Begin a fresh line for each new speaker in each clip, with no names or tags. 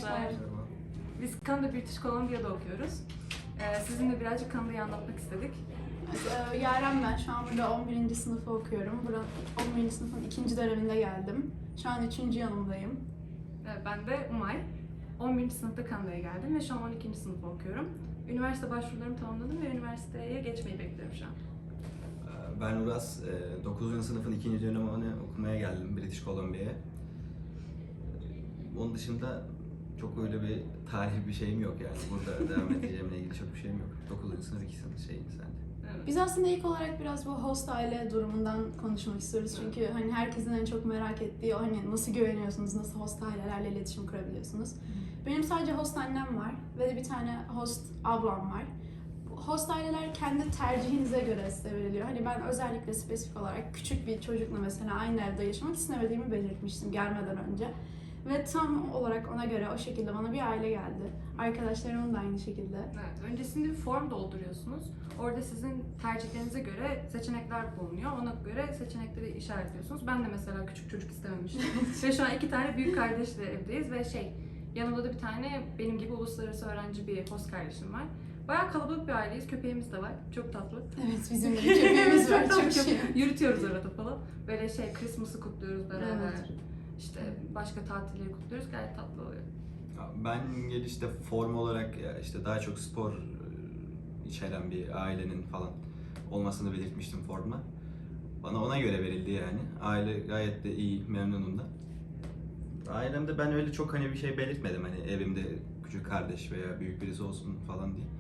Merhabalar. Biz Kanada British Columbia'da okuyoruz. Sizinle birazcık Kanada'yı anlatmak istedik.
Yaren ben. Şu an burada 11. sınıfı okuyorum. Buranın 11. sınıfın 2. döneminde geldim. Şu an 3. yanındayım.
Ben de Umay. 11. sınıfta Kanada'ya geldim ve şu an 12. sınıfı okuyorum. Üniversite başvurularımı tamamladım ve üniversiteye geçmeyi bekliyorum şu an.
Ben Uras, 9. sınıfın 2. dönemini okumaya geldim British Columbia'ya. Onun dışında çok öyle bir tarihi bir şeyim yok yani. Burada devam edeceğimle ilgili çok bir şeyim yok. 9. sınıf 2 sınıf şeyim sende.
Evet.
Biz aslında ilk olarak biraz bu host aile durumundan konuşmak istiyoruz. Çünkü hani herkesin en çok merak ettiği o hani nasıl güveniyorsunuz, nasıl host ailelerle iletişim kurabiliyorsunuz. Benim sadece host annem var ve de bir tane host ablam var. Host aileler kendi tercihinize göre size veriliyor. Hani ben özellikle spesifik olarak küçük bir çocukla mesela aynı evde yaşamak istemediğimi belirtmiştim gelmeden önce. Ve tam olarak ona göre o şekilde bana bir aile geldi. Arkadaşlarımın da aynı şekilde.
Evet, öncesinde bir form dolduruyorsunuz. Orada sizin tercihlerinize göre seçenekler bulunuyor. Ona göre seçenekleri işaretliyorsunuz. Ben de mesela küçük çocuk istememiştim. Ve şu an 2 tane büyük kardeşle evdeyiz ve yanımda da bir tane benim gibi uluslararası öğrenci bir host kardeşim var. Bayağı kalabalık bir aileyiz. Köpeğimiz de var. Çok tatlı.
Evet, bizim de bir köpeğimiz var. Çok şey.
Yürütüyoruz arada falan. Böyle Christmas'ı kutluyoruz beraber.
Evet.
İşte başka tatilleri kutluyoruz. Gayet tatlı oluyor.
Ben gelişte form olarak işte daha çok spor içeren bir ailenin falan olmasını belirtmiştim formda. Bana ona göre verildi yani. Aile gayet de iyi, memnunum da. Ailemde ben öyle çok hani bir şey belirtmedim hani evimde küçük kardeş veya büyük birisi olsun falan diye.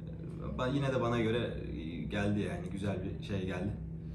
Yine de bana göre geldi yani güzel bir şey geldi.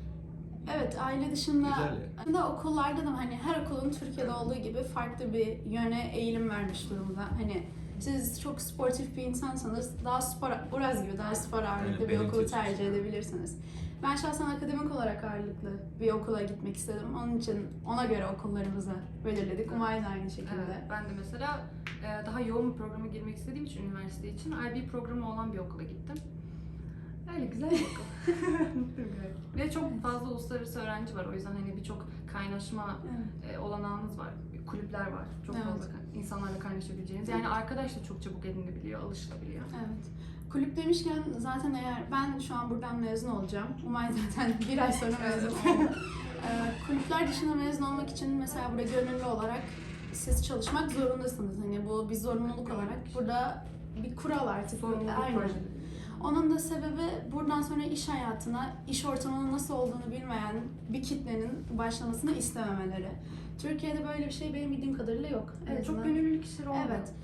Evet, aile dışında
Güzel
aslında okullarda da hani her okulun Türkiye'de olduğu gibi farklı bir yöne eğilim vermiş durumda. Hani siz çok sportif bir insansanız daha spor, Uraz gibi daha spor ağırlıklı bir okulu tercih edebilirsiniz. Ben şahsen akademik olarak ağırlıklı bir okula gitmek istedim. Onun için ona göre okullarımızı belirledik. Umay da aynı şekilde.
Evet, ben de mesela daha yoğun bir programa girmek istediğim için üniversite için IB programı olan bir okula gittim. Öyle güzel bir okul. Mutluyum gayet. Ve çok fazla uluslararası öğrenci var. O yüzden hani birçok kaynaşma olanağınız var. Kulüpler var. Çok
Evet.
fazla insanlarla kaynaşabileceğiniz. Yani arkadaş da çok çabuk edinebiliyor, alışılabiliyor.
Evet. Kulüp demişken zaten eğer ben şu an buradan mezun olacağım. Umay zaten bir ay sonra mezun oldu. Kulüpler dışında mezun olmak için mesela burada gönüllü olarak siz çalışmak zorundasınız. Hani bu bir zorunluluk olarak burada bir kural artık.
Sorumluluk
Aynen.
projeleri.
Onun da sebebi buradan sonra iş hayatına, iş ortamının nasıl olduğunu bilmeyen bir kitlenin başlamasını istememeleri. Türkiye'de böyle bir şey benim bildiğim kadarıyla yok.
Evet, çok gönüllülük işleri olmuyor.
Evet.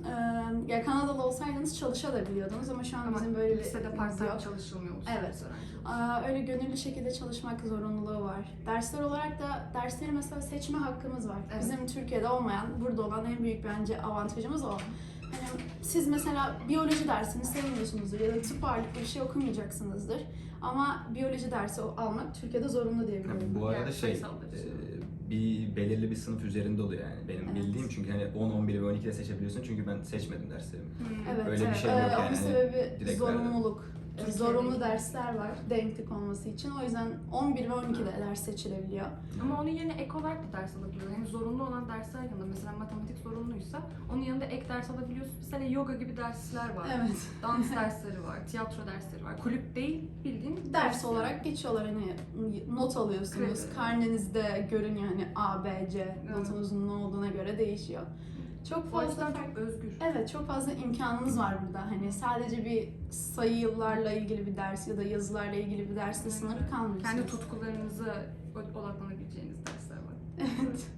Ya Kanadalı olsaydınız çalışabiliyordunuz ama şu an
Ama
bizim böyle bir
lisede
şeyimiz
part-time
yok.
çalışılmıyor.
Evet. Öyle gönüllü şekilde çalışmak zorunluluğu var. Dersler olarak da dersleri mesela seçme hakkımız var.
Evet.
Bizim Türkiye'de olmayan, burada olan en büyük bence avantajımız o. Hani siz mesela biyoloji dersini sevmiyorsunuzdur ya da tıp ağırlıklı bir şey okumayacaksınızdır. Ama biyoloji dersi almak Türkiye'de zorunlu diye biliyorum.
Bu arada
Yani sayısal
bir belirli bir sınıf üzerinde oluyor yani benim
Evet.
bildiğim çünkü hani 10, 11 ve 12'de seçebiliyorsun çünkü ben seçmedim derslerimi.
Evet,
Öyle bir şey yok
Onun
yani.
sebebi
Direkt
zorunluluk.
Türkiye'de
Zorunlu
değil.
dersler var denklik olması için. O yüzden 11 ve 12'de ders seçilebiliyor.
Ama onun yerine ek olarak da ders alabiliyorsun. Yani zorunlu olan dersler yanında mesela matematik zorunluysa onun yanında ek ders alabiliyorsun. Mesela yoga gibi dersler var.
Evet.
Dans dersleri var, tiyatro dersleri var. Kulüp değil, bildiğin
Ders olarak geçiyorlar hani not alıyorsunuz.
Kredi.
Karnenizde görünüyor hani A, B, C
Evet.
notunuzun ne olduğuna göre değişiyor. Çok
O
fazla
yüzden çok özgür.
Evet, çok fazla imkanınız var burada. Hani sadece bir sayılarla ilgili bir ders ya da yazılarla ilgili bir dersle sınırlı kalmıyorsunuz.
Kendi tutkularınıza odaklanabileceğiniz dersler var.
Evet.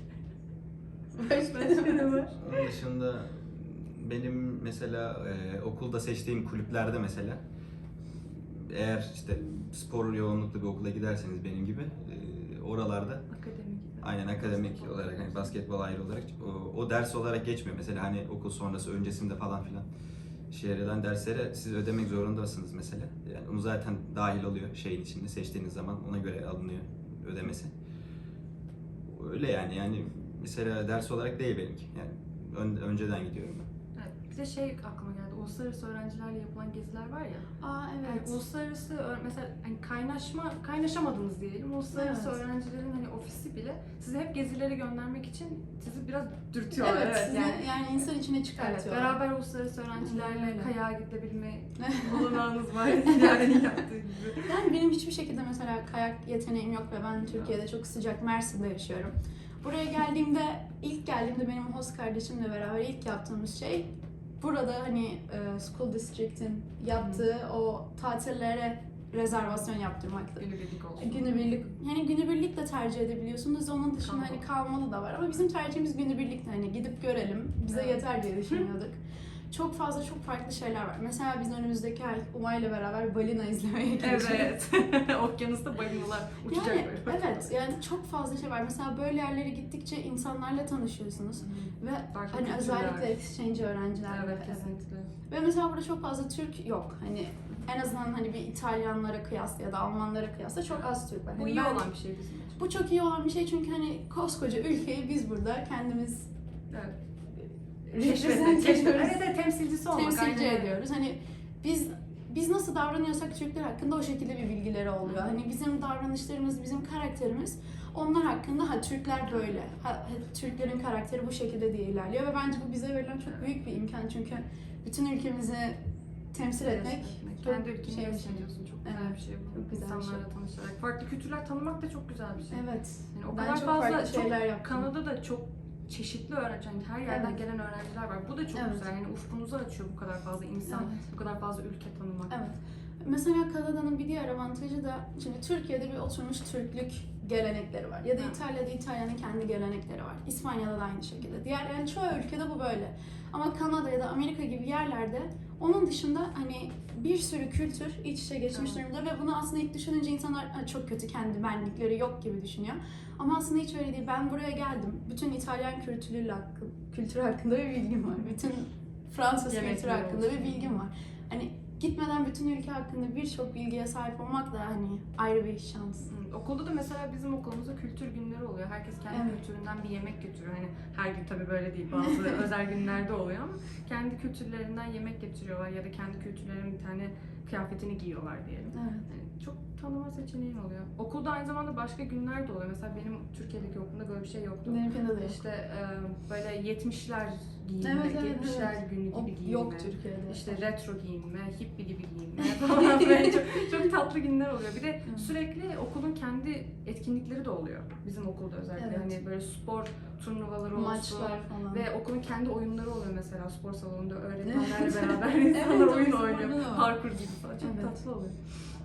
Başka ne var?
Onun dışında benim mesela okulda seçtiğim kulüplerde mesela eğer işte spor yoğunluklu bir okula giderseniz benim gibi oralarda
Akademik.
aynen akademik olarak hani basketbol ayrı olarak o ders olarak geçmiyor. Mesela hani okul sonrası öncesinde falan filan eden derslere siz ödemek zorundasınız mesela. Yani onu zaten dahil oluyor şeyin içinde seçtiğiniz zaman ona göre alınıyor ödemesi. Öyle yani mesela ders olarak değil benimki. Yani önceden gidiyorum ben.
Evet, bir de şey aklıma geldi. Uluslararası öğrencilerle yapılan geziler var ya.
Aa
Yani
evet.
uluslararası mesela hani kaynaşamadınız diyelim. Uluslararası
Evet.
öğrencilerin hani ofisi bile sizi hep gezilere göndermek için sizi biraz dürtüyorlar.
Evet, sizi
yani.
yani insan içine
Evet,
çıkartıyorlar.
beraber uluslararası öğrencilerle
Öyle.
kayağa gidebilme olanağınız var yani yaptığı gibi.
Yani benim hiçbir şekilde mesela kayak yeteneğim yok ve ben Türkiye'de çok sıcak Mersin'de yaşıyorum. Buraya ilk geldiğimde benim host kardeşimle beraber ilk yaptığımız şey burada hani School District'in yaptığı o tatillere rezervasyon yaptırmaktı.
Günübirlik olsun.
Günübirlik, yani günübirlik de tercih edebiliyorsunuz. Onun dışında hani kalmalı da var ama bizim tercihimiz günübirlikti. Hani gidip görelim, bize
Evet.
yeter diye düşünüyorduk. Çok fazla çok farklı şeyler var. Mesela biz önümüzdeki ay Umay'la beraber balina izlemeye gideceğiz.
Evet. Okyanusta balinalar uçacak
Yani
böyle.
evet, yani çok fazla şey var. Mesela böyle yerlere gittikçe insanlarla tanışıyorsunuz ve
Farklı
hani
kültürler.
özellikle exchange öğrencilerle.
Evet, kesinlikle.
Ve mesela burada çok fazla Türk yok. Hani en azından hani bir İtalyanlara kıyasla ya da Almanlara kıyasla çok az Türk var.
Bu
Hani
iyi
ben-
olan bir şey bizim için.
Bu çok iyi olan bir şey çünkü hani koskoca ülkeyi biz burada kendimiz
Evet.
represent ediyoruz,
Evet, temsilcisi olmak.
temsilci
aynen.
ediyoruz. Hani biz nasıl davranıyorsak Türkler hakkında o şekilde bir bilgileri oluyor. Hani bizim davranışlarımız, bizim karakterimiz onlar hakkında Türkler böyle, Türklerin karakteri bu şekilde diye ilerliyor ve bence bu bize verilen çok büyük bir imkan çünkü bütün ülkemizi temsil etmek
Kendi
çok
ülkeni
şey bir
temsil
şey.
ediyorsun. Çok
Evet,
güzel bir şey bu.
çok güzel bir
İnsanlarla tanışarak. Farklı kültürler tanımak da çok güzel bir şey.
Evet.
Yani o
Ben
kadar
çok
fazla
farklı şeyler yaptım.
Kanada'da çok çeşitli öğrenci, yani her yerden
Evet.
gelen öğrenciler var. Bu da çok
Evet.
güzel. Yani ufkunuzu açıyor bu kadar fazla insan,
Evet.
bu kadar fazla ülke tanımak.
Evet. Mesela Kanada'nın bir diğer avantajı da şimdi Türkiye'de bir oturmuş Türklük gelenekleri var. Ya da
Evet.
İtalya'da İtalya'nın kendi gelenekleri var. İspanya'da da aynı şekilde. Yani çoğu ülkede bu böyle. Ama Kanada ya da Amerika gibi yerlerde onun dışında hani bir sürü kültür iç içe geçmiş
Evet.
durumda ve bunu aslında ilk düşününce insanlar çok kötü kendi benlikleri yok gibi düşünüyor. Ama aslında hiç öyle değil. Ben buraya geldim. Bütün İtalyan kültürü hakkında bir bilgim var. Bütün Fransız kültürü
Yemekleri
hakkında
olsun.
bir bilgim var. Hani gitmeden bütün ülke hakkında birçok bilgiye sahip olmak da hani ayrı bir şans.
Okulda da mesela bizim okulumuzda kültür günleri oluyor. Herkes kendi
Evet.
kültüründen bir yemek getiriyor. Hani her gün tabii böyle değil. Bazı özel günlerde oluyor ama kendi kültürlerinden yemek getiriyorlar ya da kendi kültürlerinin bir tane kıyafetini giyiyorlar diyelim.
Evet.
Yani çok tanıma seçeneğin oluyor. Okulda aynı zamanda başka günler de oluyor. Mesela benim Türkiye'deki okulumda böyle bir şey yoktu.
Benimkinde de yok.
İşte böyle 70'ler giyinme,
Evet, evet,
70'ler
evet.
günü gibi giyinme.
Yok Türkiye'de.
İşte retro giyinme, hippie gibi giyinme falan böyle çok tatlı günler oluyor. Bir de
Evet.
sürekli okulun kendi etkinlikleri de oluyor. Bizim okulda özellikle
Evet.
hani böyle spor turnuvaları olsun.
Maçlar falan.
Ve okulun kendi oyunları oluyor mesela spor salonunda öğretmenlerle beraber insanlar
Evet,
oyun
bizim
oynuyor.
orada da var.
Parkur gibi falan. Çok
Evet.
tatlı oluyor.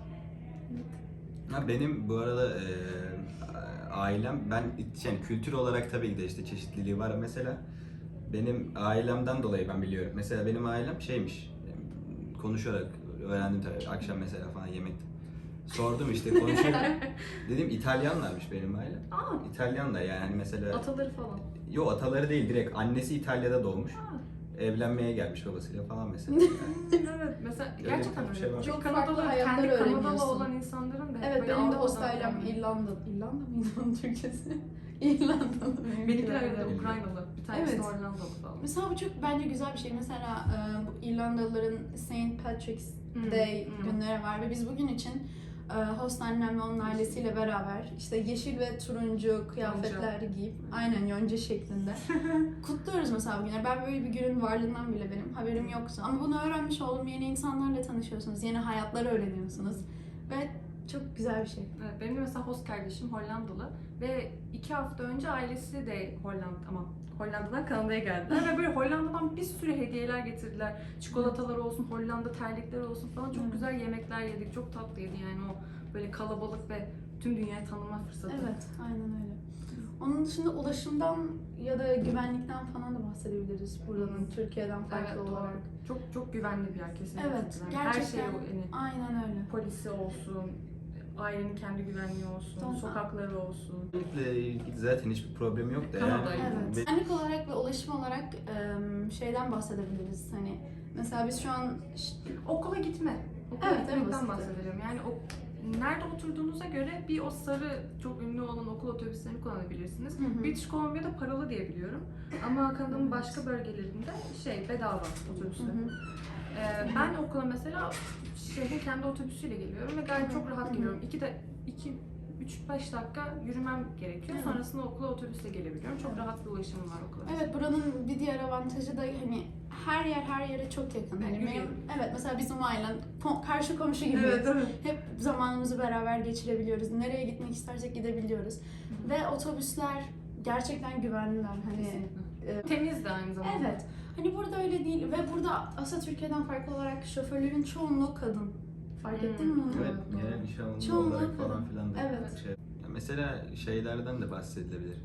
Ha, benim bu arada ailem, yani kültür olarak tabii ki de işte çeşitliliği var. Mesela benim ailemden dolayı ben biliyorum. Mesela benim ailem şeymiş, konuşarak öğrendim tabii akşam mesela falan yemekte. Sordum işte konuşuyorum. Dedim İtalyanlarmış benim ailem.
Aa,
İtalyanlar yani hani mesela...
ataları falan.
Yo, ataları değil, direkt annesi İtalya'da doğmuş.
Aa.
Evlenmeye gelmiş babasıyla falan mesela. Yani.
Evet, mesela
Öyle
gerçekten
bir
öyle.
şey var.
Çünkü
Çok
Kanadalı,
farklı hayatlar
kendi Kanadalı
öğreniyorsun.
olan insanların da hep
Evet,
böyle
benim de
Avrupa'dan
host ailem
gelme.
İrlanda mıydı onun Türkçesi? İrlandalı.
Benimkiler de
öyle.
Ukraynalı. Bir tanesi
Evet.
Hollandalı falan.
Mesela bu çok bence güzel bir şey. Mesela bu İrlandalıların Saint Patrick's
Hmm,
Day
hmm.
günleri var ve biz bugün için host annem ve onun ailesiyle beraber işte yeşil ve turuncu kıyafetler giyip aynen yonca şeklinde kutluyoruz mesela bugünleri. Ben böyle bir günün varlığından bile benim haberim yoktu. Ama bunu öğrenmiş oldum. Yeni insanlarla tanışıyorsunuz. Yeni hayatlar öğreniyorsunuz. Ve çok güzel bir şey.
Evet, benim de mesela host kardeşim Hollandalı ve 2 hafta önce ailesi de Hollanda'dan Kanada'ya geldiler ve böyle Hollanda'dan bir sürü hediyeler getirdiler. Çikolatalar olsun, Hollanda terlikleri olsun falan çok
Evet.
güzel yemekler yedik. Çok tatlıydı yani o böyle kalabalık ve tüm dünyayı tanıma fırsatı.
Evet, aynen öyle. Onun dışında ulaşımdan ya da güvenlikten falan da bahsedebiliriz buranın Türkiye'den farklı
Evet,
olarak.
doğru. Çok güvenli bir yer kesinlikle.
Evet,
Yani her şey
gerçekten
yani
aynen öyle.
polisi olsun, ailenin kendi güvenliği olsun,
Tamam.
sokakları olsun.
Güvenlikle ilgili zaten hiçbir problem yok da
Kanada,
yani.
Evet. Güvenlik olarak ve ulaşım olarak şeyden bahsedebiliriz. Hani mesela biz şu an
Okula gitme. Okula
Evet, en
gitmekten
basiti.
bahsedelim. Yani nerede oturduğunuza göre bir o sarı çok ünlü olan okul otobüslerini kullanabilirsiniz.
Hı hı.
British Columbia'da paralı diye biliyorum. Ama Kanada'nın başka bölgelerinde bedava otobüsler. Ben okula mesela şehrin kendi otobüsüyle geliyorum ve gayet çok rahat geliyorum. 3-5 dakika yürümem gerekiyor.
Evet.
Sonrasında okula otobüsle gelebiliyorum. Çok rahat bir ulaşımım var okula.
Evet, buranın bir diğer avantajı da hani her yere çok yakın. Hani
yürüyelim.
evet, mesela bizim ailen karşı komşu gibiyiz.
Evet.
Hep zamanımızı beraber geçirebiliyoruz. Nereye gitmek istersek gidebiliyoruz. Ve otobüsler gerçekten güvenliler. Hani
Kesinlikle. Temiz de aynı zamanda.
evet. Hani burada öyle değil ve burada aslında Türkiye'den farklı olarak şoförlerin çoğunluğu kadın. Fark ettin mi onu?
Evet, genel iş alımı
Çoğunluğu
olarak falan
kadın.
filan da
Evet.
şey. Ya mesela şeylerden de bahsedilebilir.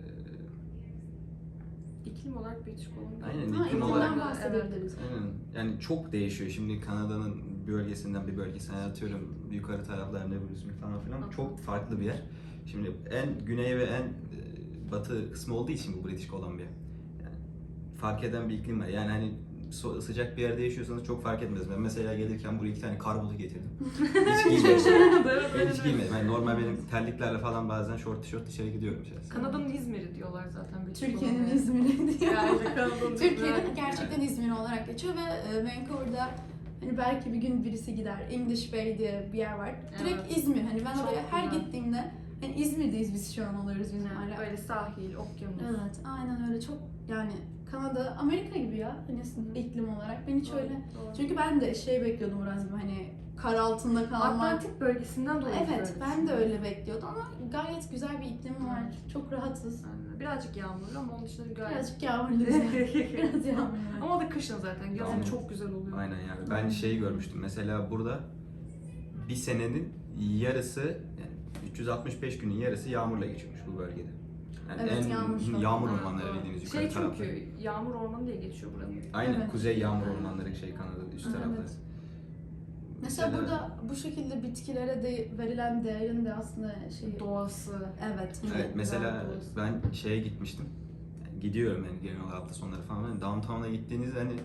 İklim olarak British Columbia.
Aynen,
Ha,
iklim
iklimden
olarak.
bahsedebiliriz.
Aynen. Yani çok değişiyor. Şimdi Kanada'nın bir bölgesinden bir bölgesine, atıyorum yukarı taraflarında Brisbane falan filan
Hı.
çok farklı bir yer. Şimdi en güney ve en batı kısmı olduğu için bu British Columbia. Yani fark eden bir iklim var. Yani hani sıcak bir yerde yaşıyorsanız çok fark etmez. Ben mesela gelirken buraya 2 tane kar botu getirdim. Hiç giymedim. Hiç giymedim. Yani normal benim terliklerle falan bazen şort tişört dışarı gidiyorum şahsen.
Kanada'nın İzmir'i diyorlar zaten. British
Türkiye'nin
Columbia.
İzmir'i diyor.
Yani Kanada'nın
Türkiye'nin
İzmir'i.
gerçekten İzmir olarak geçiyor ve Vancouver'da hani belki bir gün birisi gider. English Bay diye bir yer var. Direkt
Evet.
İzmir. Hani ben
Çok
oraya her
güzel.
gittiğimde hani İzmir'deyiz biz şu an oluyoruz bizim
Yani
hala.
böyle sahil, okyanus.
Evet, aynen öyle. Çok yani Kanada, Amerika gibi ya hani iklim olarak. Ben hiç
Doğru,
öyle.
doğru.
Çünkü ben de bekliyordum biraz gibi hani kar altında kalmak.
Atlantik bölgesinden dolayı.
Evet, ben de öyle bekliyordum ama gayet güzel bir iklim var. Çok rahatız.
Yani birazcık yağmurlu ama onun dışında gayet.
Birazcık yağmurlu. Biraz yağmurlu.
Ama o da kışın zaten. Yazın
Aynen.
çok güzel oluyor.
Aynen yani. Ben şeyi görmüştüm. Mesela burada bir senenin yarısı, yani 365 günün yarısı yağmurla geçiyormuş bu bölgede. Yani
Evet,
en
yağmur çok.
yağmur
Ha,
ormanları
doğru.
bildiğiniz yukarı
Şey
tarafta.
çünkü yağmur ormanı diye geçiyor buranın.
Aynen,
Evet.
kuzey yağmur ormanları Kanada'da üst
Evet.
tarafta.
Mesela burada bu şekilde bitkilere de verilen değerin de aslında
Doğası.
evet.
Evet, mesela
doğrusu.
ben şeye gitmiştim. Yani gidiyorum yani genel olarak hafta sonları falan. Yani downtown'a gittiğinizde hani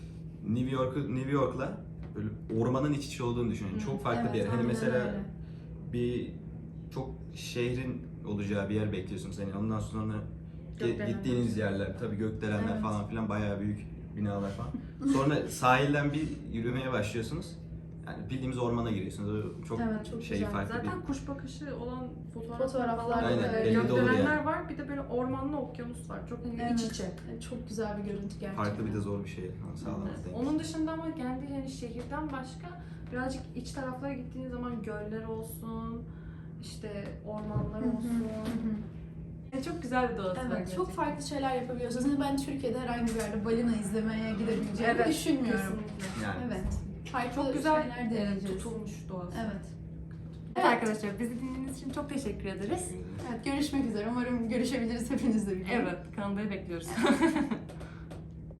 New York'la böyle ormanın iç içe olduğunu düşünün.
Hı.
Çok farklı bir yer. Hani
aynen
mesela
öyle.
bir çok şehrin olacağı bir yer bekliyorsunuz. Yani ondan sonra
Gökdelenler.
gittiğiniz yerler, tabii gökdelenler
Evet.
falan filan, bayağı büyük binalar falan. Sonra sahilden bir yürümeye başlıyorsunuz. Yani bildiğimiz ormana giriyorsunuz. O çok,
Evet, çok güzel.
farklı
Zaten kuş bakışı olan fotoğraflar
Fotoğraflar
falan.
Aynen,
var.
belli de olur
Gökdelenler
yani.
var. Bir de böyle ormanlı okyanus var. Çok hani
Evet.
iç içe.
Çok güzel bir görüntü gerçekten.
farklı bir de zor bir şey. Onu sağlamak
Evet.
denk.
Onun dışında ama kendi yani şehirden başka birazcık iç taraflara gittiğiniz zaman göller olsun, işte ormanlar
Hı hı,
olsun.
hı hı.
Çok güzel bir doğası var
Evet,
gerçekten.
çok farklı şeyler yapabiliyorsunuz. Yani ben Türkiye'de herhangi bir yerde balina izlemeye gidebileceğimi düşünmüyorum.
Kesinlikle.
Yani.
Evet. Farklı
Çok güzel
şeyler deneyeceğiz.
tutulmuş doğası.
Evet.
Evet arkadaşlar, bizi dinlediğiniz için çok teşekkür ederiz.
Evet, görüşmek üzere. Umarım görüşebiliriz hepinizle birlikte.
Evet, Kanada'yı bekliyoruz.